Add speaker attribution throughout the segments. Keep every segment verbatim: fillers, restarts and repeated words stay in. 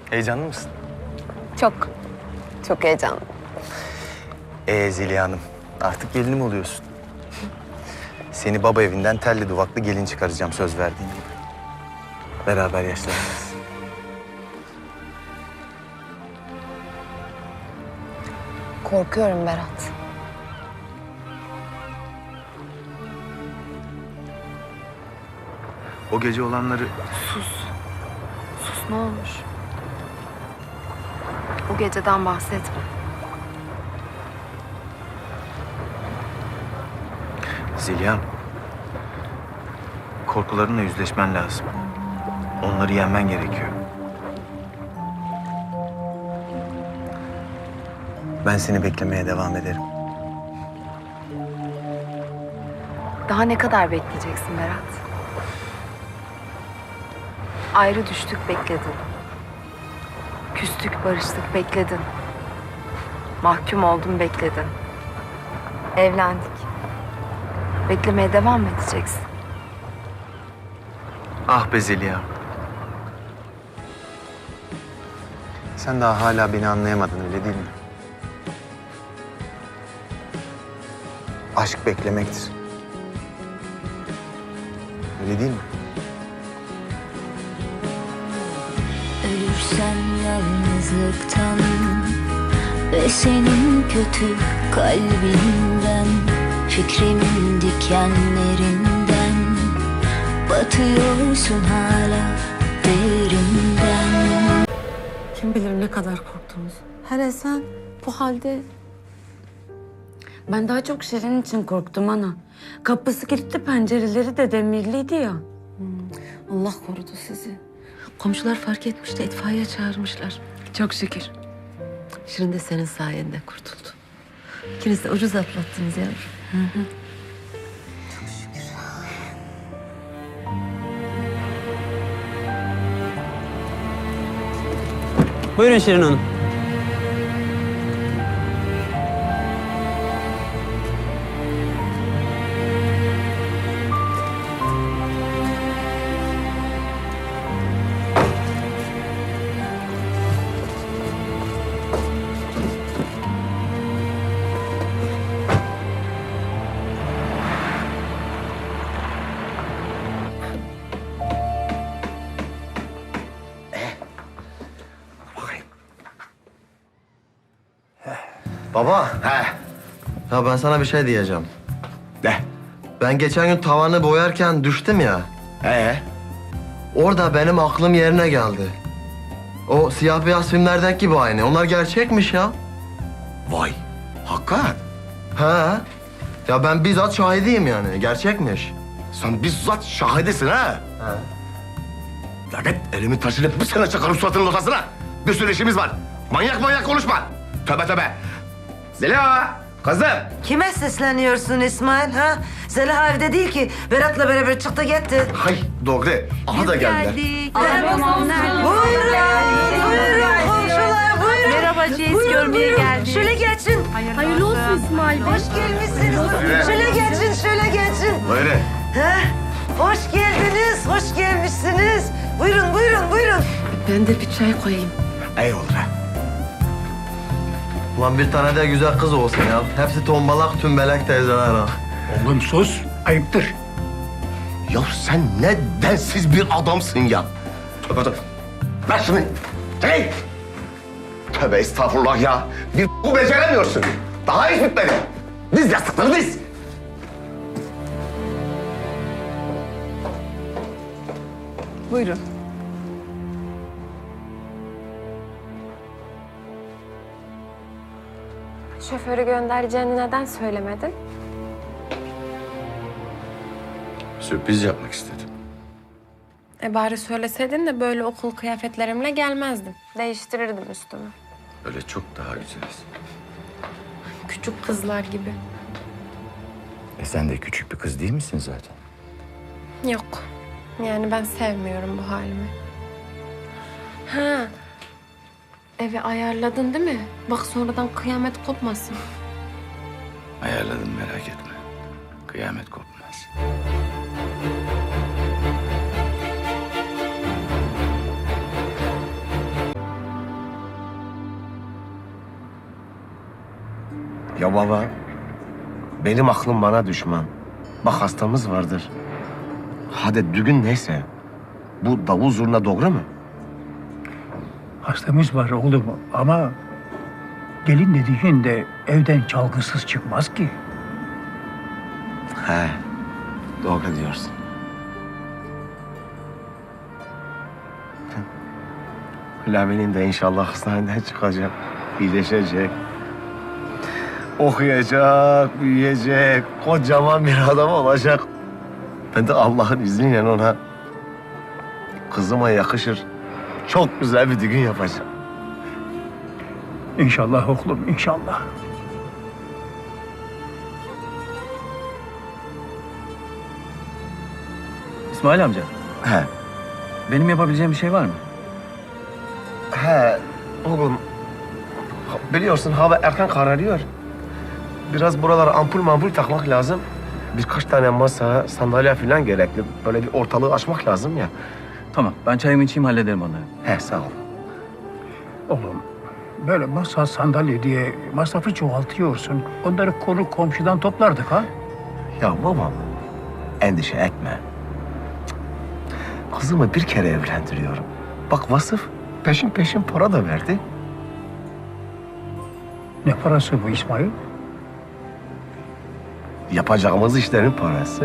Speaker 1: Heyecanlı mısın?
Speaker 2: Çok, çok heyecanlı.
Speaker 1: Ee Zeliha Hanım, artık gelinim oluyorsun. Seni baba evinden telli duvaklı gelin çıkaracağım söz verdiğin gibi. Beraber yaşlanacağız.
Speaker 2: Korkuyorum Berat.
Speaker 1: O gece olanları
Speaker 2: Sus. Sus ne olur. O geceden bahsetme.
Speaker 1: Zeliha, korkularınla yüzleşmen lazım. Onları yenmen gerekiyor. Ben seni beklemeye devam ederim.
Speaker 2: Daha ne kadar bekleyeceksin Berat? Ayrı düştük bekledin. Küstük barıştık bekledin. Mahkum oldum bekledin. Evlendik. Beklemeye devam mı edeceksin?
Speaker 1: Ah be Zeliha. Sen daha hala beni anlayamadın öyle değil mi? Aşk beklemektir. Öyle değil mi?
Speaker 3: Ölürsen yalnızlıktan ve senin kötü kalbinden, fikrimin dikenlerinden, batıyorsun hala derinden.
Speaker 4: Kim bilir ne kadar korktunuz. Hele sen bu halde... Ben daha çok Şirin için korktum ana. Kapısı kilitli, pencereleri de demirliydi ya. Allah korudu sizi. Komşular fark etmiş de itfaiye çağırmışlar.
Speaker 5: Çok şükür. Şirin de senin sayende kurtuldu. İkiniz de ucuz atlattınız yavrum.
Speaker 4: Hı hı.
Speaker 6: Buyurun Şirin Hanım.
Speaker 7: Baba. He. Ya ben sana bir şey diyeceğim.
Speaker 8: Ne?
Speaker 7: Ben geçen gün tavanı boyarken düştüm ya.
Speaker 8: Ee?
Speaker 7: Orada benim aklım yerine geldi. O siyah beyaz filmlerdeki gibi aynı. Onlar gerçekmiş ya.
Speaker 8: Vay. Hakikat.
Speaker 7: He. Ya ben bizzat şahidiyim yani. Gerçekmiş.
Speaker 8: Sen bizzat şahidesin ha.
Speaker 7: He.
Speaker 8: Lanet elimi taşıyıp bir sene çakarım suratının ortasına. Bir sürü işimiz var. Manyak manyak konuşma. Tövbe tövbe. Zeliha, kızım.
Speaker 9: Kime sesleniyorsun İsmail ha? Zeliha evde değil ki. Berat'la beraber çıktı gitti.
Speaker 8: Hay doğru. Aha da geldiler.
Speaker 9: Buyurun, buyurun komşular, buyurun.
Speaker 2: Merhaba Ceyiz,
Speaker 9: Buyurun,
Speaker 2: görmeye
Speaker 9: buyurun.
Speaker 2: geldik.
Speaker 9: Şöyle geçin.
Speaker 2: Hayırlı olsun İsmail Bey.
Speaker 9: Hoş gelmişsiniz. Şöyle geçin, şöyle geçin.
Speaker 8: Buyurun.
Speaker 9: Ha? Hoş geldiniz, hoş gelmişsiniz. Buyurun, buyurun, buyurun.
Speaker 5: Ben de bir çay koyayım.
Speaker 8: İyi olur ha.
Speaker 7: Ulan bir tane de güzel kız olsun ya. Hepsi tombalak tümbelek teyzeler ha.
Speaker 8: Oğlum sus. Ayıptır. Ya sen ne densiz bir adamsın ya. Tövbe tövbe. Ver şunu. Hey! Tövbe estağfurullah ya. Bir bu beceremiyorsun. Daha hiç bitmedi. Diz yastıkları diz.
Speaker 2: Buyurun.
Speaker 10: Şoförü göndereceğini neden söylemedin?
Speaker 8: Sürpriz yapmak istedim.
Speaker 10: E bari söyleseydin de böyle okul kıyafetlerimle gelmezdim. Değiştirirdim üstümü.
Speaker 8: Öyle çok daha güzeliz.
Speaker 10: Küçük kızlar gibi.
Speaker 8: E sen de küçük bir kız değil misin zaten?
Speaker 10: Yok. Yani ben sevmiyorum bu halimi. Ha. Evi ayarladın değil mi? Bak sonradan kıyamet kopmasın.
Speaker 8: Ayarladım merak etme. Kıyamet kopmaz. Ya baba, benim aklım bana düşman. Bak hastamız vardır. Hadi düğün neyse. Bu davul zurna doğru mu?
Speaker 6: Hastamız var oğlum ama gelin dediğin de evden çalgısız çıkmaz ki.
Speaker 8: He, doğru diyorsun. Lamin'in de inşallah hastaneden çıkacak, iyileşecek. Okuyacak, büyüyecek, kocaman bir adam olacak. Ben de Allah'ın izniyle ona kızıma yakışır, çok güzel bir düğün yapacağım.
Speaker 6: İnşallah oğlum, inşallah.
Speaker 11: İsmail amca,
Speaker 8: He,
Speaker 11: benim yapabileceğim bir şey var mı?
Speaker 8: he oğlum. Biliyorsun hava erken kararıyor. Biraz buralara ampul mampul takmak lazım. Birkaç tane masa, sandalye falan gerekli. Böyle bir ortalığı açmak lazım ya.
Speaker 11: Tamam, ben çayımı içeyim hallederim onları.
Speaker 8: He, sağ ol.
Speaker 6: Oğlum böyle masa sandalye diye masrafı çoğaltıyorsun. Onları konu komşudan toplardık ha.
Speaker 8: Ya babam, endişe etme. Kızımı bir kere evlendiriyorum. Bak Vasıf peşin peşin para da verdi.
Speaker 6: Ne parası bu İsmail?
Speaker 8: Yapacağımız işlerin parası.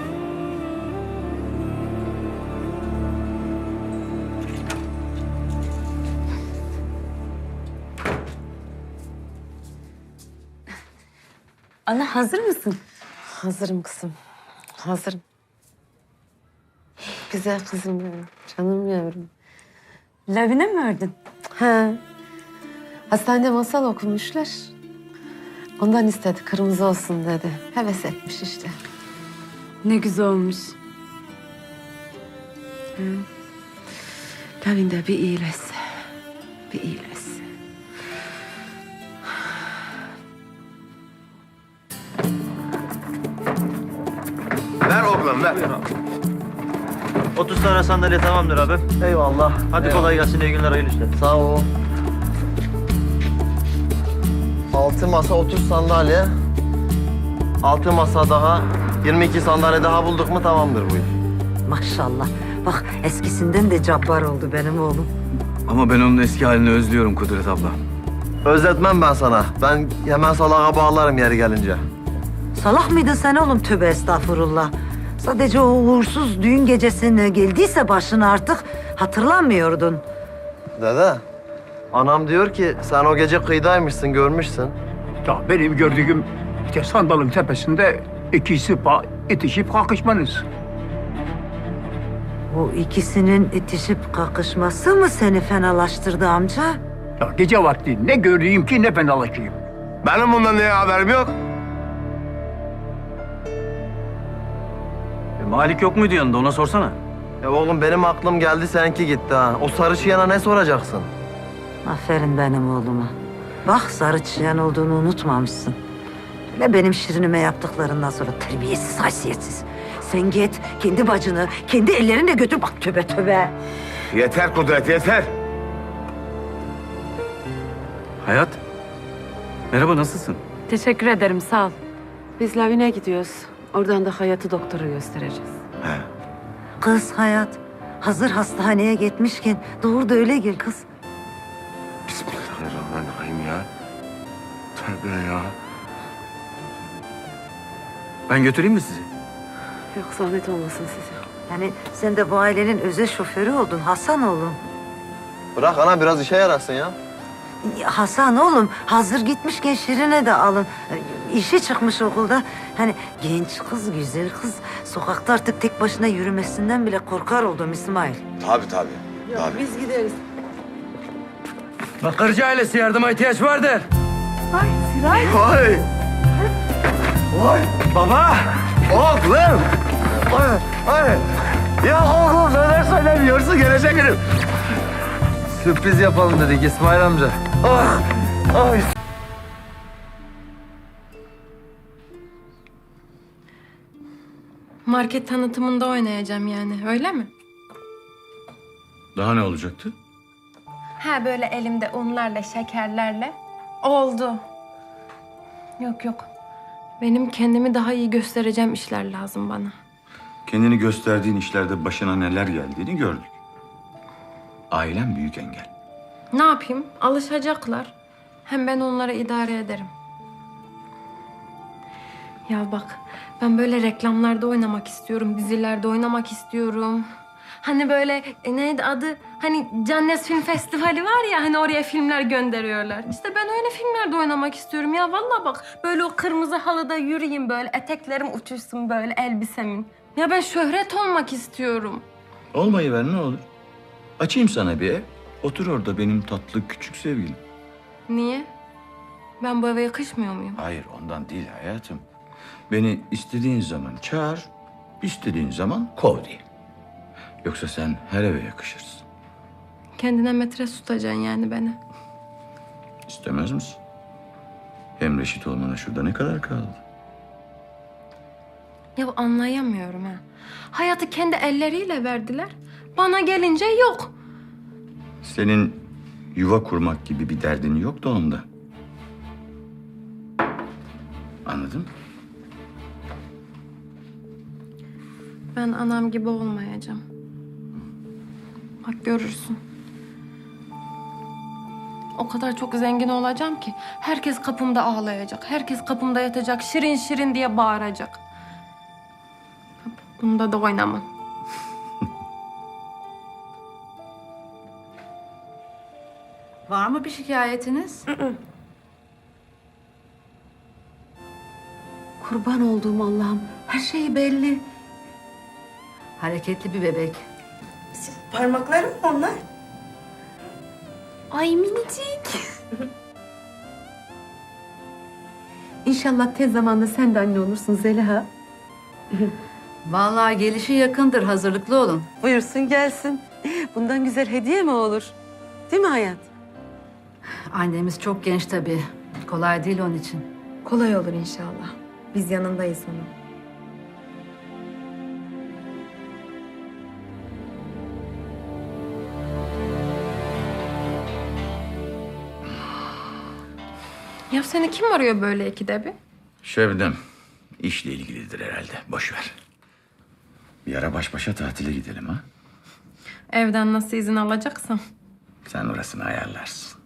Speaker 4: Ana hazır mısın?
Speaker 5: Hazırım kızım. Hazırım. Güzel kızım benim. Canım yavrum.
Speaker 4: Lavine mi ördün?
Speaker 5: Ha. Hastanede masal okumuşlar. Ondan istedi. Kırmızı olsun dedi. Heves etmiş işte.
Speaker 4: Ne güzel olmuş.
Speaker 5: Lavin de bir iyileşse. Bir iyileşse.
Speaker 8: Ver oğlum ver.
Speaker 11: otuz tane sandalye tamamdır abi.
Speaker 8: Eyvallah.
Speaker 11: Hadi kolay gelsin, iyi günler, hayırlı işler.
Speaker 7: Sağ ol. Altı masa, otuz sandalye. Altı masa daha, yirmi iki sandalye daha bulduk mu tamamdır bu iş.
Speaker 9: Maşallah. Bak eskisinden de cabbar oldu benim oğlum.
Speaker 11: Ama ben onun eski halini özlüyorum Kudret abla.
Speaker 7: Özletmem ben sana. Ben hemen salağa bağlarım yeri gelince.
Speaker 9: Salak mıydın sen oğlum? Tövbe estağfurullah. Sadece o uğursuz düğün gecesine geldiyse başına artık hatırlamıyordun.
Speaker 7: Dede, anam diyor ki sen o gece kıyıdaymışsın, görmüşsün.
Speaker 6: Ya benim gördüğüm işte sandalın tepesinde ikisi pa- itişip kalkışmanız.
Speaker 9: O ikisinin itişip kakışması mı seni fenalaştırdı amca?
Speaker 6: Ya gece vakti ne göreyim ki ne fenalaşayım.
Speaker 8: Benim bundan neye haberim yok?
Speaker 11: E, Malik yok muydu yanında, ona sorsana.
Speaker 7: Ya oğlum benim aklım geldi seninki gitti ha. O sarı çiyana ne soracaksın?
Speaker 9: Aferin benim oğluma. Bak sarı çiyan olduğunu unutmamışsın. Hele benim Şirinime yaptıklarından sonra terbiyesiz, haysiyetsiz. Sen git kendi bacını kendi ellerinle götür. Bak tövbe tövbe.
Speaker 8: Yeter Kudret, yeter.
Speaker 11: Hayat, merhaba, nasılsın?
Speaker 4: Teşekkür ederim, sağ ol.
Speaker 5: Biz Lavin'e gidiyoruz. Oradan da Hayat'ı doktora göstereceğiz.
Speaker 9: Kız Hayat, hazır hastaneye gitmişken doğru da öyle gel kız.
Speaker 8: Bismillahirrahmanirrahim ya. Tövbe ya.
Speaker 11: Ben götüreyim mi sizi?
Speaker 5: Yok zahmet olmasın size.
Speaker 9: Yani sen de bu ailenin özel şoförü oldun Hasan oğlum.
Speaker 7: Bırak ana biraz işe yarasın ya.
Speaker 9: Ya Hasan oğlum hazır gitmişken Şirin'e de alın. İşi çıkmış okulda. Hani genç kız, güzel kız. Sokakta artık tek başına yürümesinden bile korkar oldum İsmail.
Speaker 8: Tabii tabii. Tabii.
Speaker 5: Biz gideriz.
Speaker 11: Bakırcı ailesi yardıma ihtiyaç vardır.
Speaker 8: Vay! Vay! Baba! Oğlum! Vay! Vay! Ya oğlum neler söylemiyorsun gelecek günüm.
Speaker 7: Sürpriz yapalım dedik İsmail amca.
Speaker 8: Ah! Ay!
Speaker 10: Market tanıtımında oynayacağım yani, öyle mi?
Speaker 11: Daha ne olacaktı?
Speaker 10: Ha böyle elimde unlarla, şekerlerle. Oldu. Yok yok. Benim kendimi daha iyi göstereceğim işler lazım bana.
Speaker 12: Kendini gösterdiğin işlerde başına neler geldiğini gördük. Ailen büyük engel.
Speaker 10: Ne yapayım? Alışacaklar. Hem ben onlara idare ederim. Ya bak, ben böyle reklamlarda oynamak istiyorum, dizilerde oynamak istiyorum. Hani böyle e, neydi adı? Hani Cannes Film Festivali var ya, hani oraya filmler gönderiyorlar. İşte ben öyle filmlerde oynamak istiyorum ya. Vallahi bak, böyle o kırmızı halıda yürüyeyim böyle, eteklerim uçuşsun böyle elbisemin. Ya ben şöhret olmak istiyorum.
Speaker 12: Olmayı ver ne olur. Açayım sana bir ev. Otur orada benim tatlı küçük sevgilim.
Speaker 10: Niye? Ben bu eve yakışmıyor muyum?
Speaker 12: Hayır ondan değil hayatım. Beni istediğin zaman çağır, istediğin zaman kov diye. Yoksa sen her eve yakışırsın.
Speaker 10: Kendine metre tutacaksın yani beni.
Speaker 12: İstemez misin? Hem reşit olmana şurada ne kadar kaldı?
Speaker 10: Ya anlayamıyorum ha. Hayatı kendi elleriyle verdiler. Bana gelince yok.
Speaker 12: Senin yuva kurmak gibi bir derdin yok da onda. Anladın mı?
Speaker 10: Ben anam gibi olmayacağım. Bak görürsün. O kadar çok zengin olacağım ki herkes kapımda ağlayacak. Herkes kapımda yatacak. Şirin şirin diye bağıracak. Bunda da oynamam.
Speaker 9: Var mı bir şikayetiniz?
Speaker 5: Kurban olduğum Allah'ım. Her şey belli.
Speaker 9: Hareketli bir bebek.
Speaker 2: Parmaklarım mı onlar? Ay minicik.
Speaker 5: İnşallah tez zamanda sen de anne olursun Zeliha.
Speaker 9: Vallahi gelişi yakındır. Hazırlıklı olun.
Speaker 5: Buyursun gelsin. Bundan güzel hediye mi olur? Değil mi hayat?
Speaker 9: Annemiz çok genç tabii. Kolay değil onun için.
Speaker 2: Kolay olur inşallah. Biz yanındayız onun.
Speaker 10: Ya seni kim arıyor böyle ikide bir?
Speaker 12: Şebnem, işle ilgilidir herhalde. Boş ver. Bir ara baş başa tatile gidelim ha.
Speaker 10: Evden nasıl izin alacaksam.
Speaker 12: Sen orasını ayarlarsın.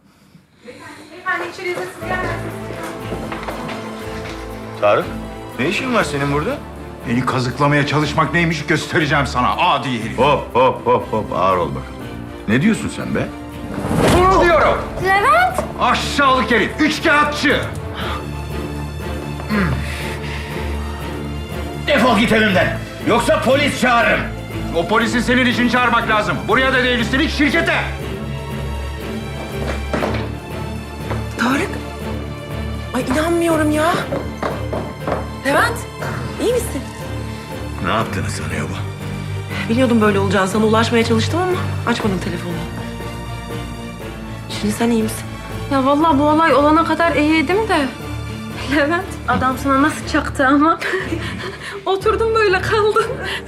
Speaker 12: Tarık, ne işin var senin burada?
Speaker 13: Beni kazıklamaya çalışmak neymiş göstereceğim sana adi herif.
Speaker 12: Hop hop hop hop ağır ol bakalım. Ne diyorsun sen be?
Speaker 13: Bunu diyorum.
Speaker 10: Levent!
Speaker 13: Aşağılık herif, üçkağıtçı.
Speaker 12: Defol git evimden. Yoksa polis çağırırım.
Speaker 13: O polisi senin için çağırmak lazım. Buraya da değil üstelik şirkete.
Speaker 2: Tarık. Ay inanmıyorum ya. Levent, iyi misin?
Speaker 12: Ne yaptığını sanıyor bu?
Speaker 2: Biliyordum böyle olacağını. Sana ulaşmaya çalıştım ama açmadın telefonu. Şimdi sen iyi misin?
Speaker 10: Ya vallahi bu olay olana kadar iyiydim de. Levent, adam sana nasıl çaktı ama. Oturdum böyle kaldım.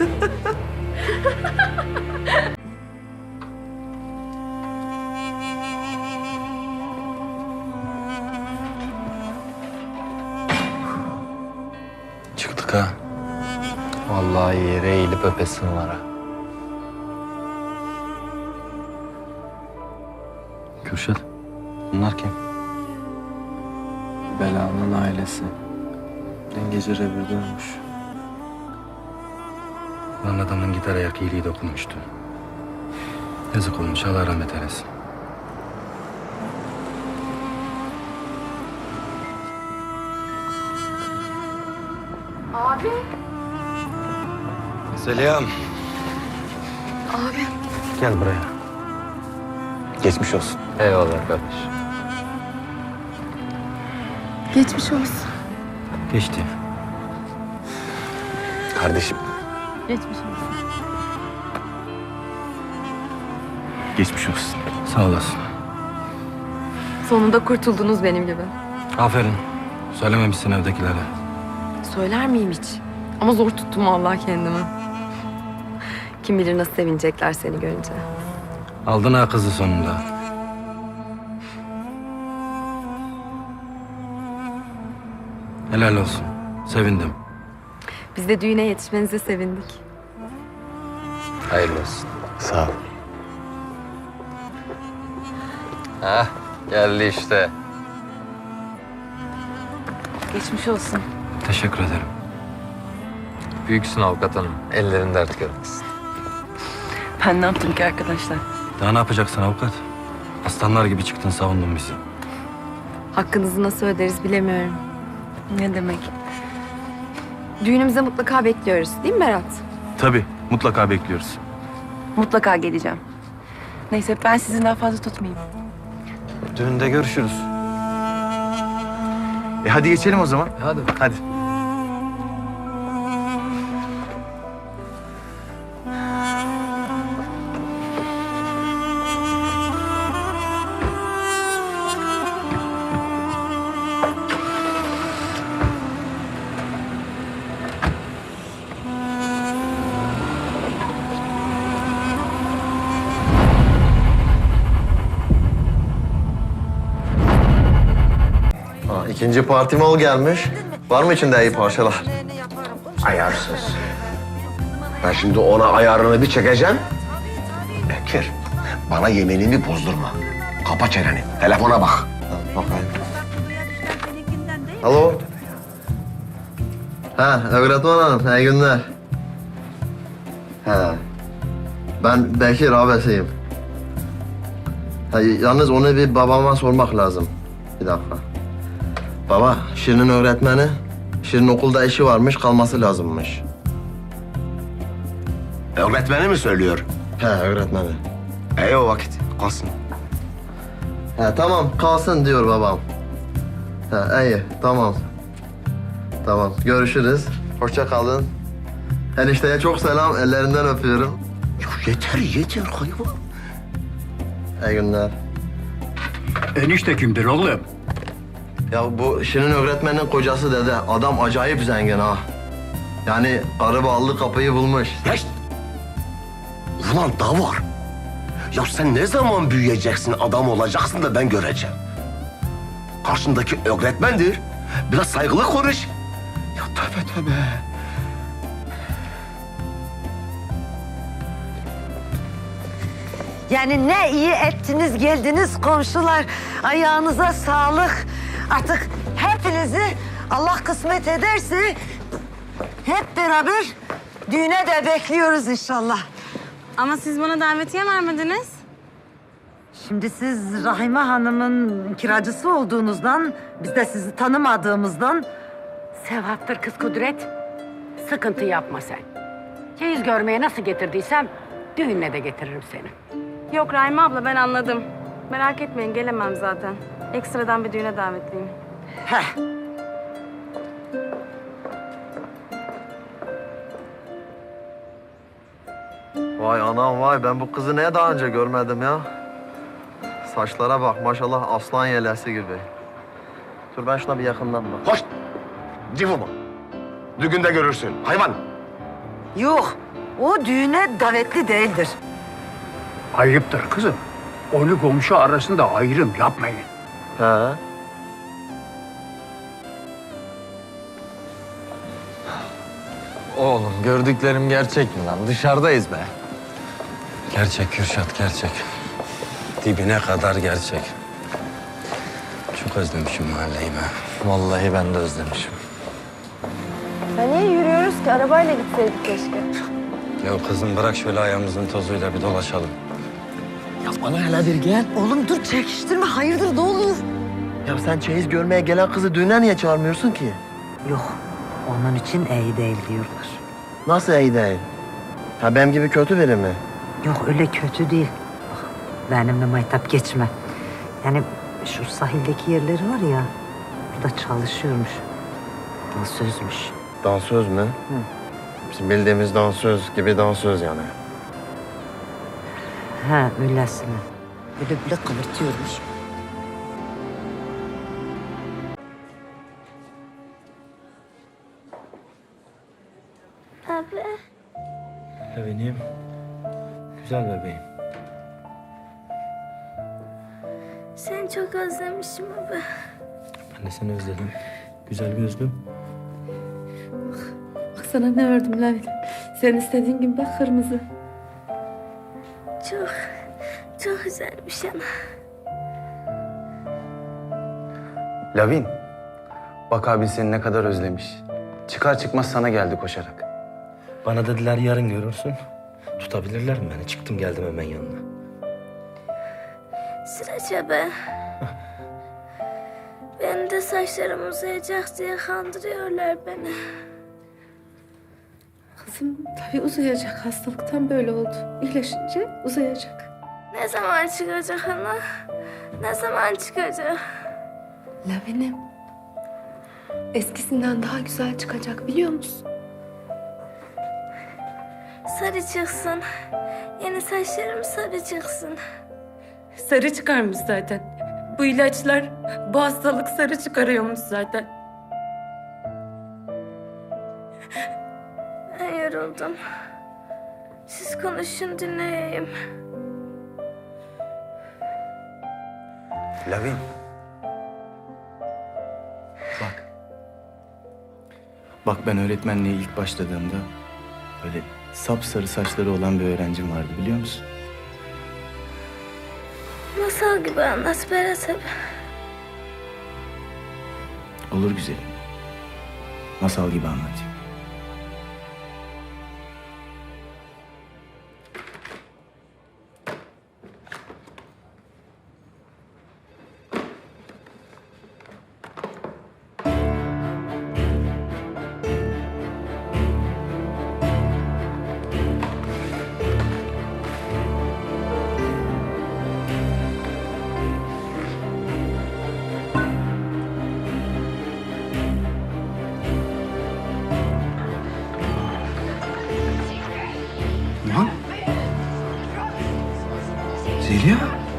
Speaker 1: Çıktık ha. Vallahi yere eğilip öpesin var ha. Kürşat, bunlar kim? Belanın ailesi. Dün gece revirde ölmüş. Lan adamın gitar ayak iyiliği dokunmuştu. Yazık olmuş, Allah rahmet eylesin.
Speaker 10: Abi.
Speaker 1: Zeliha'm.
Speaker 10: Abi.
Speaker 1: Gel buraya. Geçmiş olsun. Eyvallah kardeş.
Speaker 10: Geçmiş olsun.
Speaker 1: Geçti. Kardeşim.
Speaker 10: Geçmiş olsun.
Speaker 1: Geçmiş olsun. Sağ olasın.
Speaker 2: Sonunda kurtuldunuz benim gibi.
Speaker 1: Aferin. Söylememişsin evdekilere.
Speaker 2: Söyler miyim hiç? Ama zor tuttum vallahi kendimi. Kim bilir nasıl sevinecekler seni görünce.
Speaker 1: Aldın ha kızı sonunda.
Speaker 14: Helal olsun. Sevindim.
Speaker 2: Biz de düğüne yetişmenize sevindik.
Speaker 14: Hayırlı olsun.
Speaker 1: Sağ ol.
Speaker 14: Hah, geldi işte.
Speaker 2: Geçmiş olsun.
Speaker 14: Teşekkür ederim. Büyüksün avukat hanım. Ellerin dert görmesin.
Speaker 2: Ben ne yaptım ki arkadaşlar?
Speaker 14: Daha ne yapacaksın avukat? Aslanlar gibi çıktın, savundun bizi.
Speaker 2: Hakkınızı nasıl öderiz bilemiyorum. Ne demek? Düğünümüze mutlaka bekliyoruz değil mi Berat?
Speaker 1: Tabii, mutlaka bekliyoruz.
Speaker 2: Mutlaka geleceğim. Neyse ben sizi daha fazla tutmayayım.
Speaker 1: Düğünde görüşürüz. E hadi geçelim o zaman.
Speaker 14: Hadi.
Speaker 1: Hadi.
Speaker 7: Ha, ikinci parti mal gelmiş. Var mı içinde iyi parçalar?
Speaker 8: Ayarsız. Ben şimdi ona ayarını bir çekeceğim. Bekir, bana yeminimi bozdurma. Kapa çeneni, telefona bak.
Speaker 7: Ha, bakayım. Alo. Ha, öğretmen hanım, iyi günler. Ha. Ben Bekir abisiyim. Ha, yalnız onu bir babama sormak lazım. Bir dakika. Baba, Şirin'in öğretmeni, Şirin okulda işi varmış, kalması lazımmış.
Speaker 8: Öğretmeni mi söylüyor?
Speaker 7: He, öğretmeni.
Speaker 8: İyi o vakit, kalsın.
Speaker 7: He, tamam, kalsın diyor babam. He, iyi, tamam. Tamam, görüşürüz. Hoşça kalın. Enişteye çok selam, ellerinden öpüyorum.
Speaker 8: Ya yeter, yeter hayvan.
Speaker 7: İyi günler.
Speaker 6: Enişte kimdir oğlum?
Speaker 7: Ya bu Şirin öğretmenin kocası dede. Adam acayip zengin ha. Yani karı ballı kapıyı bulmuş.
Speaker 8: Ya işte. Ulan da var. Ya sen ne zaman büyüyeceksin, adam olacaksın da ben göreceğim. Karşındaki öğretmendir. Biraz saygılı konuş. Ya tövbe tövbe.
Speaker 9: Yani ne iyi ettiniz geldiniz komşular. Ayağınıza sağlık. Artık hepinizi Allah kısmet ederse hep beraber düğüne de bekliyoruz inşallah.
Speaker 4: Ama siz bana davetiye vermediniz.
Speaker 9: Şimdi siz Rahime Hanım'ın kiracısı olduğunuzdan, biz de sizi tanımadığımızdan...
Speaker 15: Sevaptır kız Kudret. Sıkıntı yapma sen. Çeyiz görmeye nasıl getirdiysem düğünle de getiririm seni.
Speaker 4: Yok Rahime abla ben anladım. Merak etmeyin gelemem zaten. Ekstradan bir düğüne davetliyim.
Speaker 9: Heh.
Speaker 7: Vay anam vay, ben bu kızı niye daha önce görmedim ya? Saçlara bak maşallah, aslan yelesi gibi. Dur ben şuna bir yakından bak.
Speaker 8: Hoş. Civuma. Düğünde görürsün hayvan.
Speaker 9: Yok, o düğüne davetli değildir.
Speaker 6: Ayıptır kızım. Onu komşu arasında ayrım yapmayın.
Speaker 7: He.
Speaker 14: Oğlum gördüklerim gerçek mi lan? Dışarıdayız be. Gerçek Kürşat, gerçek. Dibine kadar gerçek. Çok özlemişim mahalleyi be. Vallahi ben de özlemişim.
Speaker 2: Ya niye yürüyoruz ki? Arabayla gitseydik keşke.
Speaker 14: Ya kızım bırak şöyle ayağımızın tozuyla bir dolaşalım.
Speaker 7: Ya bana hele bir gel.
Speaker 9: Oğlum dur çekiştirme, hayırdır ne olur?
Speaker 7: Ya sen çeyiz görmeye gelen kızı düğüne niye çağırmıyorsun ki?
Speaker 9: Yok, onun için iyi değil diyorlar.
Speaker 7: Nasıl iyi değil? Ha benim gibi kötü biri mi?
Speaker 9: Yok öyle kötü değil. Bak, benimle maytap geçme. Yani şu sahildeki yerleri var ya, burada çalışıyormuş. Dansözmüş.
Speaker 7: Dansöz mü?
Speaker 9: Hı.
Speaker 7: Bizim bildiğimiz dansöz gibi dansöz yani.
Speaker 9: Ha öylesine. Böyle bile kıvırtıyormuş.
Speaker 3: Abi.
Speaker 14: Benim güzel bebeğim.
Speaker 3: Seni çok özlemişim abi.
Speaker 14: Ben de seni özledim. Güzel gözlüm.
Speaker 5: Bak sana ne ördüm Lavin. Sen istediğin gibi bak kırmızı.
Speaker 3: Çok, çok güzelmiş ana.
Speaker 1: Lavin, bak abin seni ne kadar özlemiş. Çıkar çıkmaz sana geldi koşarak.
Speaker 14: Bana dediler yarın görürsün. Tutabilirler mi beni? Çıktım geldim hemen yanına.
Speaker 3: Sıraça be. Benim de saçlarım uzayacak diye kandırıyorlar beni.
Speaker 5: Kızım tabii uzayacak. Hastalıktan böyle oldu. İyileşince uzayacak.
Speaker 3: Ne zaman çıkacak ana? Ne zaman çıkacak?
Speaker 5: Lavinim. Eskisinden daha güzel çıkacak biliyor musun?
Speaker 3: Sarı çıksın. Yeni saçlarım sarı çıksın.
Speaker 4: Sarı çıkarmış zaten. Bu ilaçlar bu hastalık sarı çıkarıyormuş zaten.
Speaker 3: Ben yoruldum. Siz konuşun dinleyeyim.
Speaker 1: Lavin. Bak. Bak ben öğretmenliğe ilk başladığımda böyle sapsarı saçları olan bir öğrencim vardı biliyor musun?
Speaker 3: Masal gibi anlat Berat abi.
Speaker 1: Olur güzelim. Masal gibi anlatayım.
Speaker 14: Lan. Zeliha.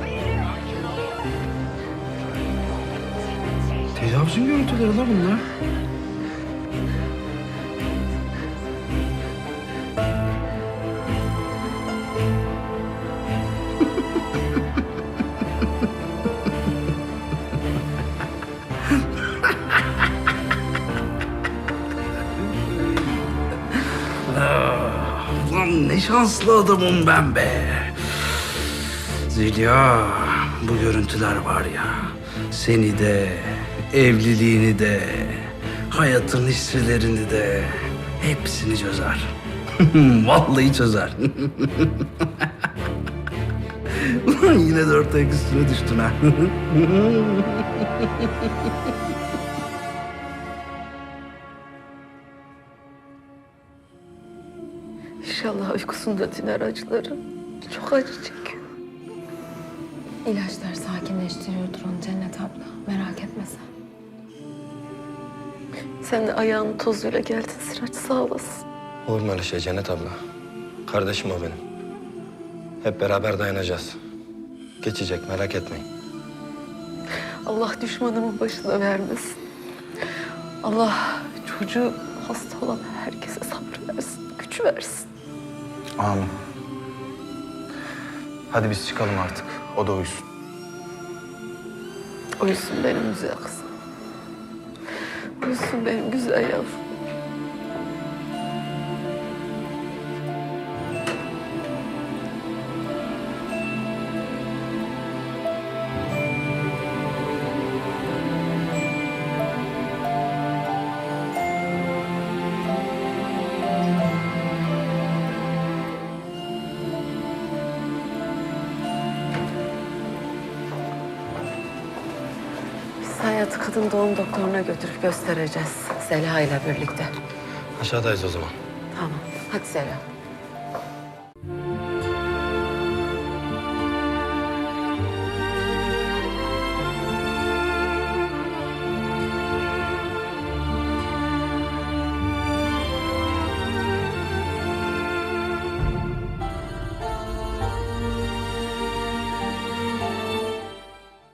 Speaker 14: Tecavüzün görüntüleri la bunlar. Lan ne şanslı adamım ben be. Zeliha, bu görüntüler var ya, seni de, evliliğini de, hayatın hisselerini de hepsini çözer. Vallahi çözer. Ulan yine dört ayak üstüne düştün ha.
Speaker 5: İnşallah uykusunda diner acıları. Çok acı çekiyor.
Speaker 2: İlaçlar sakinleştiriyordur onu Cennet abla. Merak etme sen.
Speaker 5: Sen de ayağının tozuyla geldin Sıraç sağ olasın.
Speaker 14: Olur mu öyle şey Cennet abla? Kardeşim o benim. Hep beraber dayanacağız. Geçecek merak etmeyin.
Speaker 5: Allah düşmanımın başına vermesin. Allah çocuğu hasta olan herkese sabır versin, güç versin.
Speaker 1: Amin. Hadi biz çıkalım artık. O da uyusun.
Speaker 5: Uyusun benim güzel kızım. Uyusun benim güzel yavrum. Hayatı kadın doğum doktoruna götürüp göstereceğiz. Zeliha ile birlikte.
Speaker 14: Aşağıdayız o zaman.
Speaker 5: Tamam. Hadi Zeliha.